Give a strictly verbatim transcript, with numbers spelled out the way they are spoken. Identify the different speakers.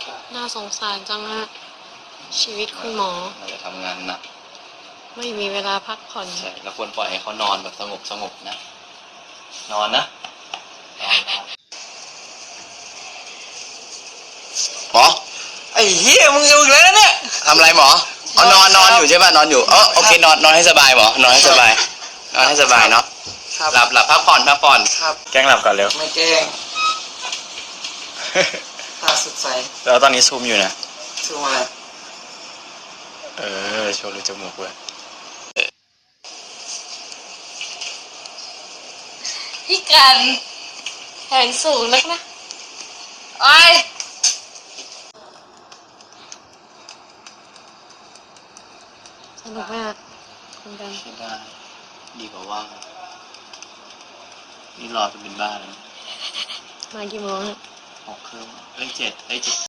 Speaker 1: น่าสงสารจังฮะชีวิตคุณหมอ
Speaker 2: เราจะทำงานหนัก
Speaker 1: ไม่มีเวลาพักผ่อน
Speaker 2: ใช่เราควรปล่อยให้เขานอนแบบสงบสงบนะนอนนะนอนนอนหมอไอ้เหี้ยมึงอยู่แล้วเนี่ยทำอะไรหมออ๋อนอนนอนอยู่ใช่ป่ะนอนอยู่เออโอเคนอนนอนให้สบายหมอนอนให้สบายนอนให้สบายเนาะหลับหลับพักผ่อนพักผ่อนครับแกล้งหลับก่อนเร็ว
Speaker 3: ไม่แกล้งตาสดใส
Speaker 2: แล้วตอนนี้ซูมอยู่นะ
Speaker 3: ซูมอะไร
Speaker 2: เออโชว์รูจมูกเว้ย
Speaker 1: พี่กันแขนสูงนักนะไอ้สนุกไหมอ่ะคุณกัน
Speaker 2: ไม่ได้ดีกว่าว่างนี่รอจะเป็นบ้าแล้ว
Speaker 1: มากี่โมง
Speaker 2: หกครึ่งเอ้ยเจ็ดเอ้ยเจ็ด